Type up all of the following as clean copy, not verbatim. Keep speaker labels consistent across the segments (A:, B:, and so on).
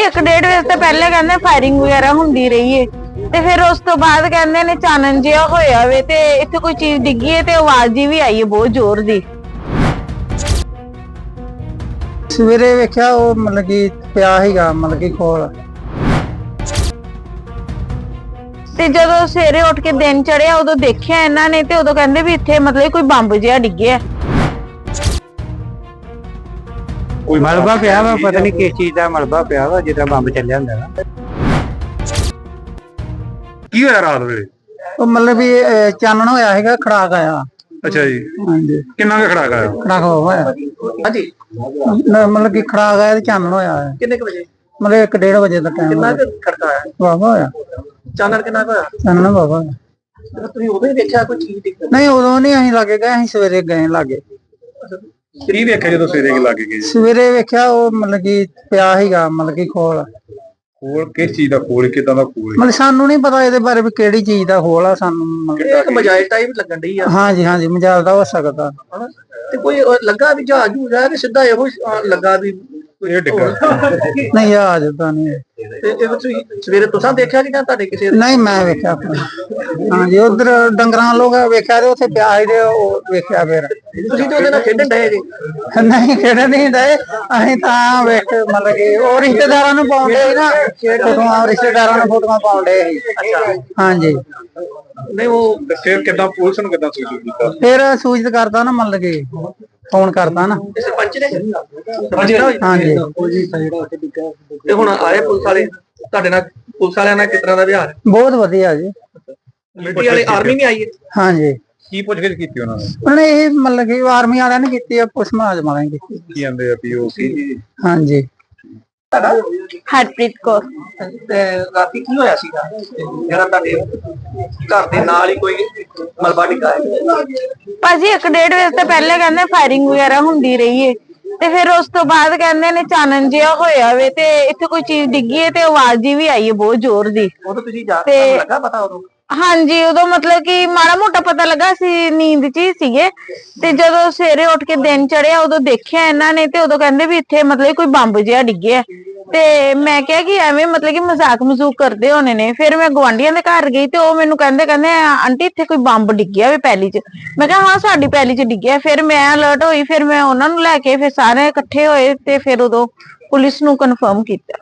A: ਭਾਜੀ 1-1.5 ਵਜੇ ਤੋਂ ਪਹਿਲੇ ਕਹਿੰਦੇ ਫਾਇਰਿੰਗ ਵਗੈਰਾ ਹੁੰਦੀ ਰਹੀ ਏ ਤੇ ਫਿਰ ਉਸ ਤੋਂ ਬਾਅਦ ਕਹਿੰਦੇ ਨੇ ਚਾਨਣ ਜਿਹਾ ਹੋਇਆ ਵੇ ਤੇ ਇੱਥੇ ਕੋਈ ਚੀਜ਼ ਡਿੱਗੀ ਏ ਤੇ ਆਵਾਜ਼ ਜੀ ਵੀ ਆਈ ਏ ਬਹੁਤ ਜ਼ੋਰ ਦੀ।
B: ਸਵੇਰੇ ਵੇਖਿਆ ਉਹ ਮਤਲਬ ਕਿ ਪਿਆ ਸੀਗਾ ਮਤਲਬ ਕਿ ਕੋਲ
A: ਤੇ ਜਦੋਂ ਸਵੇਰੇ ਉੱਠ ਕੇ ਦਿਨ ਚੜਿਆ ਉਦੋਂ ਦੇਖਿਆ ਇਹਨਾਂ ਨੇ ਤੇ ਉਦੋਂ ਕਹਿੰਦੇ ਵੀ ਇੱਥੇ ਮਤਲਬ ਕੋਈ ਬੰਬ ਜਿਹਾ ਡਿੱਗਿਆ।
C: ਕੋਈ ਮਲਬਾ ਪਿਆ ਵਾ, ਪਤਾ ਨਹੀਂ ਕਿਸ ਚੀਜ਼ ਦਾ ਮਲਬਾ ਪਿਆ ਵਾ, ਜਿੱਦਾਂ ਬੰਬ ਚੱਲਿਆ ਹੁੰਦਾ ਵਾ।
D: ਕੀ ਹੋਇਆ ਰਾਤ ਵੇਲੇ?
B: ਉਹ ਮਤਲਬ ਵੀ ਚਾਨਣ ਹੋਇਆ ਸੀਗਾ, ਖੜਾਕ ਆਇਆ।
D: ਅੱਛਾ ਜੀ,
B: ਹਾਂਜੀ
D: ਕਿੰਨਾ ਕੁ ਖੜਾਕ ਆਇਆ?
B: ਖੜਾਕ ਹੋਇਆ
E: ਹਾਂਜੀ,
B: ਮਤਲਬ ਕਿ ਖੜਾਕ ਆਇਆ ਤੇ ਚਾਨਣ ਹੋਇਆ ਹੈ।
E: ਕਿੰਨੇ ਕੁ ਵਜੇ?
B: ਮਤਲਬ 1-1.5 ਵਜੇ ਦਾ ਟਾਈਮ।
E: ਕਿੰਨਾ ਕੁ ਖੜਕਾ ਆਇਆ?
B: ਵਾਵਾ ਹੋਇਆ
E: ਚਾਨਣ ਕਿੰਨਾ ਕੁ ਹੋਇਆ?
B: ਚਾਨਣ ਵਾਵਾ ਹੋਇਆ।
E: ਜਦੋਂ ਤੁਸੀਂ ਉਦੋਂ ਹੀ ਵੇਖਿਆ ਕੋਈ ਚੀਜ਼ ਡਿੱਗ
B: ਨਹੀਂ ਉਦੋਂ ਨਹੀਂ ਅਸੀਂ ਲਾਗੇ ਗਏ, ਅਸੀਂ ਸਵੇਰੇ ਗਏ ਲਾਗੇ।
D: ਕੀ ਵੇਖਿਆ ਜਦੋਂ ਸਵੇਰੇ ਲੱਗ ਗਏ?
B: ਸਵੇਰੇ ਵੇਖਿਆ ਉਹ ਮਤਲਬ ਕਿ ਪਿਆ ਸੀਗਾ ਮਤਲਬ ਕਿ ਖੋਲ
D: ਕਿਸ ਚੀਜ਼ ਦਾ ਖੋਲ, ਕਿਦਾਂ ਦਾ ਖੋਲ?
B: ਮਤਲਬ ਸਾਨੂੰ ਨਹੀਂ ਪਤਾ ਇਹਦੇ ਬਾਰੇ ਵੀ ਕਿਹੜੀ ਚੀਜ਼ ਦਾ ਖੋਲ ਆ, ਸਾਨੂੰ
E: ਇਹ ਇੱਕ ਮਜਾਇਲ ਟਾਈਪ ਲੱਗਣ ਡਈ ਆ।
B: ਹਾਂਜੀ ਹਾਂਜੀ ਮਜਾਲ ਦਾ ਹੋ ਸਕਦਾ।
E: ਹਨਾ? ਤੇ ਕੋਈ ਲੱਗਾ ਵੀ ਜਹਾਜ਼ ਜੂਜ ਆ ਕਿ ਸਿੱਧਾ ਇਹੋ ਲੱਗਾ ਵੀ
D: ਇਹ ਡਿੱਗਾ?
B: ਨਹੀਂ ਆ ਜਦਾ ਨਹੀਂ।
E: ਤੇ ਇਹ ਤੁਸੀਂ ਸਵੇਰੇ ਤੁਸੀਂ ਦੇਖਿਆ ਕਿ ਜਾਂ ਤੁਹਾਡੇ ਕਿਸੇ
B: ਨਹੀਂ ਮੈਂ ਵੇਖਿਆ ਆਪਣਾ। ਹਾਂਜੀ ਉਧਰ ਡੰਗਰਾਂ ਲੋਕ ਵੇਖਿਆ ਤੇ ਉੱਥੇ ਪਿਆ ਸੀ ਤੇ ਉਹ ਵੇਖਿਆ ਫਿਰ।
E: ਤੁਸੀਂ ਤੇ ਉਹਦੇ ਨਾਲ ਖੇਡਣ ਡਏ ਜੀ?
B: ਨਹੀਂ ਖੇਡਣ ਨਹੀਂ ਡਏ ਅਸੀਂ ਤਾਂ ਵੇਖ ਮਤਲਬ ਕਿ ਉਹ ਰਿਸ਼ਤੇਦਾਰਾਂ ਨੂੰ ਪਾਉਂਦੇ ਸੀ ਨਾ ਫੋਟੋਆਂ, ਰਿਸ਼ਤੇਦਾਰਾਂ ਨੂੰ ਫੋਟੋਆਂ ਪਾਉਂਦੇ ਸੀ। ਹਾਂਜੀ
E: ਨਹੀਂ ਉਹ
D: ਫਿਰ ਕਿਦਾਂ ਪੁਲਿਸ ਨੂੰ ਕਿਦਾਂ ਸੂਚਿਤ ਕੀਤਾ?
B: ਫਿਰ ਸੂਚਿਤ ਕਰਦਾ ਨਾ ਮਤਲਬ ਕਿ ਫੋਨ ਕਰਦਾ ਨਾ।
E: ਸਰਪੰਚ ਨੇ?
B: ਹਾਂਜੀ
E: ਤੇ ਹੁਣ ਆਏ ਪੁਲਿਸ ਵਾਲੇ ਤੁਹਾਡੇ ਨਾਲ? ਪੁਲਿਸ ਵਾਲਿਆਂ ਨਾਲ ਕਿਸ ਤਰ੍ਹਾਂ ਦਾ ਵਿਹਾਰ?
B: ਬਹੁਤ ਵਧੀਆ ਜੀ।
E: ਮਿਲਟਰੀ ਵਾਲੇ ਆਰਮੀ ਵੀ ਆਈ ਹੈ?
B: ਹਾਂਜੀ
D: ਕੀ ਪੁੱਛਗਿੱਛ ਕੀਤੀ ਉਹਨਾਂ ਨੇ?
B: ਉਹਨੇ ਇਹ ਮਤਲਬ ਕਿ ਆਰਮੀ ਵਾਲਿਆਂ ਨੇ ਕੀਤੀ ਆ, ਪੁਲਿਸ ਮੁਲਾਜ਼ਮਾਂ ਨੇ ਕੀਤੀ।
D: ਕੀ ਕਹਿੰਦੇ ਆ ਵੀ ਉਹ ਕੀ?
B: ਹਾਂਜੀ
A: ਹਰਪ੍ਰੀਤ ਕੌਰ।
E: ਤੇ ਰਾਤੀ ਕੀ ਹੋਇਆ ਸੀਗਾ ਜਿਹੜਾ ਤੁਹਾਡੇ ਘਰ ਦੇ ਨਾਲ ਹੀ ਕੋਈ ਮਲਬਾ ਡਿੱਗਾ ਹੈ?
A: ਭਾਜੀ 1-1.5 ਵਜੇ ਤੋਂ ਪਹਿਲੇ ਕਹਿੰਦੇ ਫਾਇਰਿੰਗ ਵਗੈਰਾ ਹੁੰਦੀ ਰਹੀ ਏ ਤੇ ਫਿਰ ਉਸ ਤੋਂ ਬਾਅਦ ਕਹਿੰਦੇ ਨੇ ਚਾਨਣ ਜਿਹਾ ਹੋਇਆ ਵੇ ਤੇ ਇੱਥੇ ਕੋਈ ਚੀਜ਼ ਡਿੱਗੀ ਏ ਤੇ ਆਵਾਜ਼ ਜੀ ਵੀ ਆਈ ਏ ਬਹੁਤ ਜ਼ੋਰ ਦੀ।
E: ਉਦੋਂ ਤੁਸੀਂ ਤੁਹਾਨੂੰ ਲੱਗਾ ਪਤਾ ਉਦੋਂ?
A: ਹਾਂਜੀ ਉਦੋਂ ਮਤਲਬ ਕਿ ਮਾੜਾ ਮੋਟਾ ਪਤਾ ਲੱਗਾ ਸੀ, ਨੀਂਦ 'ਚ ਹੀ ਸੀਗੇ ਤੇ ਜਦੋਂ ਸਵੇਰੇ ਉੱਠ ਕੇ ਦਿਨ ਚੜਿਆ ਉਦੋਂ ਦੇਖਿਆ ਇਹਨਾਂ ਨੇ ਤੇ ਉਦੋਂ ਕਹਿੰਦੇ ਵੀ ਇੱਥੇ ਮਤਲਬ ਕੋਈ ਬੰਬ ਜਿਹਾ ਡਿੱਗਿਆ ਤੇ ਮੈਂ ਕਿਹਾ ਕਿ ਐਵੇਂ ਮਤਲਬ ਕਿ ਮਜ਼ਾਕ ਮਜ਼ੂਕ ਕਰਦੇ ਹੋਣੇ ਨੇ। ਫਿਰ ਮੈਂ ਗਵਾਂਢੀਆਂ ਦੇ ਘਰ ਗਈ ਤੇ ਉਹ ਮੈਨੂੰ ਕਹਿੰਦੇ ਆਂਟੀ ਇੱਥੇ ਕੋਈ ਬੰਬ ਡਿੱਗਿਆ ਵੇ ਪੈਲੀ 'ਚ। ਮੈਂ ਕਿਹਾ ਹਾਂ ਸਾਡੀ ਪੈਲੀ 'ਚ ਡਿੱਗਿਆ। ਫਿਰ ਮੈਂ ਅਲਰਟ ਹੋਈ, ਫਿਰ ਮੈਂ ਉਹਨਾਂ ਨੂੰ ਲੈ ਕੇ ਫਿਰ ਸਾਰੇ ਇਕੱਠੇ ਹੋਏ ਤੇ ਫਿਰ ਉਦੋਂ ਪੁਲਿਸ ਨੂੰ ਕਨਫਰਮ ਕੀਤਾ।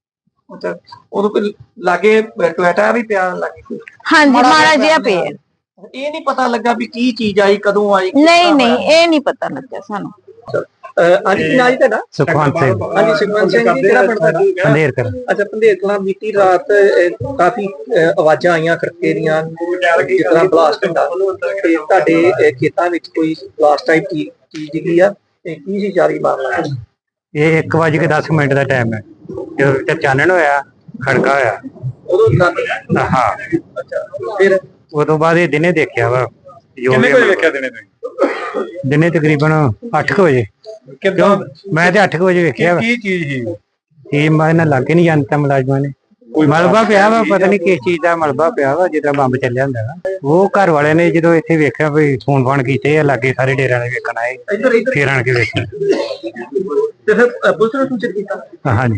E: ਉਦੋਂ ਕੋਈ ਲਾਗੇ ਟੋਇਟਾ ਵੀ ਪਿਆ ਲਾਗੇ?
A: ਹਾਂਜੀ ਮਾੜਾ ਜਿਹਾ ਪਿਆ।
E: ਇਹ ਨਹੀਂ ਪਤਾ ਲੱਗਾ ਵੀ ਕੀ ਚੀਜ਼ ਆਈ, ਕਦੋਂ ਆਈ?
A: ਨਹੀਂ ਇਹ ਨਹੀਂ ਪਤਾ ਲੱਗਿਆ ਸਾਨੂੰ।
E: ਹਾਂਜੀ ਕੀ ਨਾਂ ਜੀ ਤੁਹਾਡਾ?
C: ਸੁਖਵੰਤ ਸਿੰਘ,
E: ਹਾਂਜੀ ਸੁਖਵੰਤ ਸਿੰਘ ਜੀ, ਕਿਹੜਾ ਪਿੰਡ ਤੁਹਾਡਾ?
C: ਪੰਧੇਰ ਕਰ।
E: ਅੱਛਾ ਪੰਧੇਰ ਕਲਾਂ। ਬੀਤੀ ਰਾਤ ਕਾਫੀ ਆਵਾਜ਼ਾਂ ਆਈਆਂ ਖੜਕੇ ਦੀਆਂ, ਜਿਸ ਤਰ੍ਹਾਂ ਬਲਾਸਟ ਹੁੰਦਾ ਤੇ ਤੁਹਾਡੇ ਖੇਤਾਂ ਵਿੱਚ ਕੋਈ ਬਲਾਸਟ ਟਾਈਪ ਚੀਜ਼ ਡਿੱਗੀ ਆ ਤੇ ਕੀ ਸੀ ਜਾਰੀ ਮਾਮਲਾ?
C: ਇਹ 1:10 ਦਾ ਟਾਈਮ ਹੈ ਜਦੋਂ ਇੱਥੇ ਚਾਨਣ ਹੋਇਆ, ਖੜਕਾ ਹੋਇਆ।
E: ਉਦੋਂ ਰਾਤੀ?
C: ਹਾਂ
E: ਅੱਛਾ ਫਿਰ
C: ਉਹ ਤੋਂ ਬਾਅਦ ਇਹ ਦਿਨੇ ਦੇਖਿਆ ਵਾ।
D: ਕਿੰਨੇ ਵਜੇ ਵੇਖਿਆ ਦਿਨੇ ਤੁਸੀਂ?
C: ਦਿਨੇ ਤਕਰੀਬਨ 8 ਵਜੇ।
D: ਕਿਦਾਂ?
C: ਮੈਂ ਤੇ 8 ਵਜੇ ਵੇਖਿਆ ਵਾ।
D: ਕੀ ਚੀਜ਼ ਸੀ?
C: ਇਹ ਮੈਂ ਨਾ ਲੱਗੇ ਨਹੀਂ ਜਾਂਦਾ ਮੁਲਾਜ਼ਮਾਂ ਨੇ। ਕੋਈ ਮਲਬਾ ਪਿਆ ਵਾ, ਪਤਾ ਨਹੀਂ ਕਿਸ ਚੀਜ਼ ਦਾ ਮਲਬਾ ਪਿਆ ਵਾ, ਜਿੱਦਾਂ ਬੰਬ ਚੱਲਿਆ ਹੁੰਦਾ ਵਾ। ਉਹ ਘਰ ਵਾਲਿਆਂ ਨੇ ਜਦੋਂ ਇੱਥੇ ਵੇਖਿਆ ਵੀ ਫੋਨ ਕੀਤੇ ਆ, ਲਾਗੇ ਸਾਰੇ ਡੇਰਿਆਂ ਨੇ ਵੇਖਣ ਆਏ, ਫੇਰ ਆਣ ਕੇ ਵੇਖਿਆ।
E: ਤੇ ਫਿਰ ਪੁਲਿਸ ਨੂੰ ਸੂਚਿਤ ਕੀਤਾ?
C: ਹਾਂਜੀ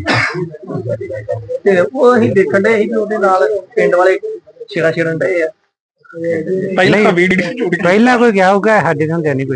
E: ਤੇ ਉਹ ਅਸੀਂ ਦੇਖਣ ਡਏ ਸੀ ਵੀ ਉਹਦੇ ਨਾਲ ਪਿੰਡ ਵਾਲੇ ਛੇੜਨ ਡਏ ਆ।
D: ਪਹਿਲਾਂ ਵੀਡੀਓ
C: ਪਹਿਲਾਂ ਕੋਈ ਗਿਆ ਹੋਊਗਾ, ਸਾਡੇ ਹੁੰਦੇ ਨਹੀਂ ਕੋਈ।